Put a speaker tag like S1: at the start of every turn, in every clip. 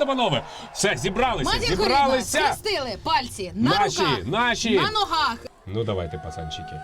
S1: та панове. Все, зібралися.
S2: Схрестили пальці на руках,
S1: Наші.
S2: на ногах.
S1: Ну давайте, пацанчики.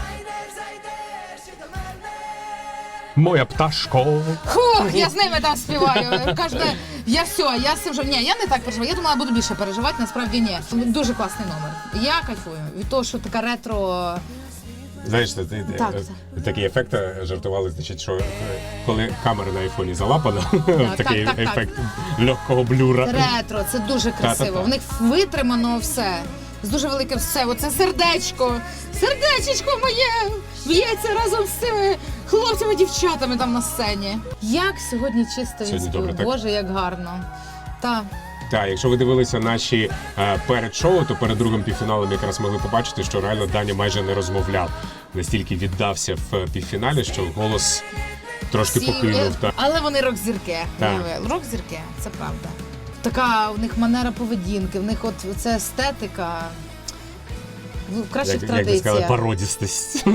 S1: Моя пташко.
S2: Фух, я з ними там співаю. Кожне, я з цим вже. Ні, я не так переживаю. Я думала, буду більше переживати, насправді ні. Дуже класний номер. Я кайфую від того, що така ретро.
S1: Знаєш, такий ефект жартували, значить, що коли камера на айфоні залапана, такий ефект легкого блюра.
S2: Ретро, це дуже красиво. В них витримано все. З дуже великим все. Оце сердечко. Сердечечко моє б'ється разом з цими хлопцями, дівчатами там на сцені. Як сьогодні чисто він спів. Боже, як гарно. Так,
S1: якщо ви дивилися наші перед шоу, то перед другим півфіналом якраз могли побачити, що реально Даня майже не розмовляв. Настільки віддався в півфіналі, що голос трошки покинув.
S2: Але вони рок-зірки. Рок-зірки, це правда. Така у них манера поведінки, в них от ця естетика в кращих традиціях.
S1: Як би сказали, пародістость.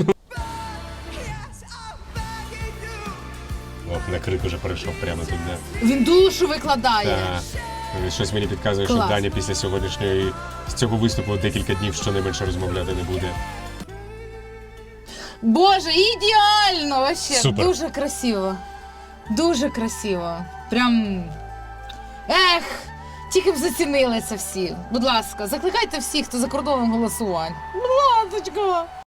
S1: На крик уже перейшов прямо тут.
S2: Він душу викладає.
S1: Щось мені підказує, що Даня після з цього виступу декілька днів щонайменше розмовляти не буде.
S2: Боже, ідеально! Вообще.
S1: Супер.
S2: Дуже красиво. Дуже красиво. Прям. Ех! Тільки б зацінили це всі. Будь ласка, закликайте всіх, хто за кордоном голосувань. Будь ласка.